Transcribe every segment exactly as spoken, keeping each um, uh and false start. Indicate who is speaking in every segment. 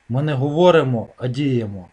Speaker 1: Ми не говоримо, а діємо.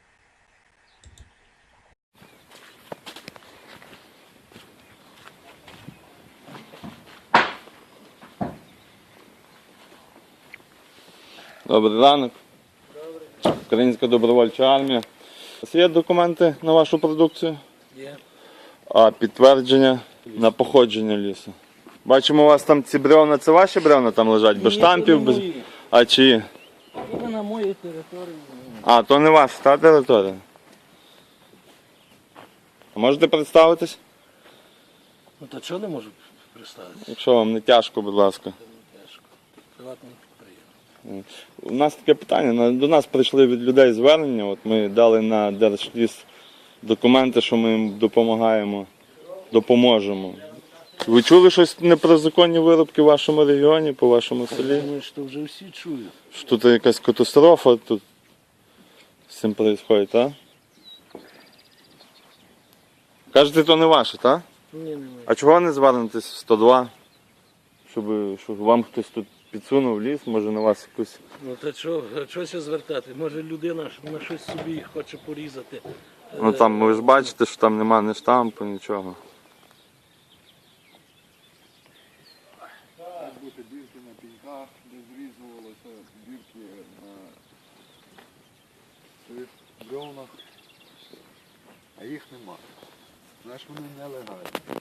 Speaker 2: Добрий ранок. Добрий. Українська добровольча армія. У вас є документи на вашу продукцію?
Speaker 1: Є.
Speaker 2: А підтвердження на походження лісу? Бачимо, у вас там ці бревна, це ваші бревна там лежать, без штампів, без... А чиї?
Speaker 1: Це на моїй території.
Speaker 2: А, то не ваша, та територія? А можете представитись?
Speaker 1: Ну то чого не можу представитися?
Speaker 2: Якщо вам не тяжко, будь ласка.
Speaker 1: Не тяжко. Приватний підприємство.
Speaker 2: У нас таке питання, до нас прийшли від людей звернення, от ми дали на Держліс документи, що ми їм допомагаємо, допоможемо. Ви чули щось не про законні виробки в вашому регіоні, по вашому селі?
Speaker 1: Я думаю, що вже всі чують.
Speaker 2: Що тут якась катастрофа тут з цим відбувається, так? Кажете, то не ваше, так?
Speaker 1: Ні, немає.
Speaker 2: А чого не звернетесь в сто два? Щоб, щоб вам хтось тут підсунув ліс, може на вас якусь...
Speaker 1: Ну то чого, чогося звертати? Може людина на щось собі хоче порізати.
Speaker 2: Ну там ви ж бачите, що там нема ні штампу, нічого.
Speaker 3: Мають бути бірки на піньках, де зрізувалися бірки на цих бревнах, а їх нема. Знаєш, вони нелегальні.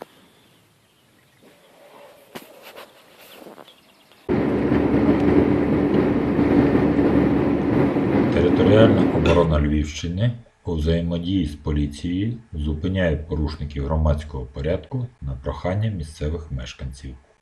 Speaker 4: Територіальна оборона Львівщини у взаємодії з поліцією зупиняє порушників громадського порядку на прохання місцевих мешканців.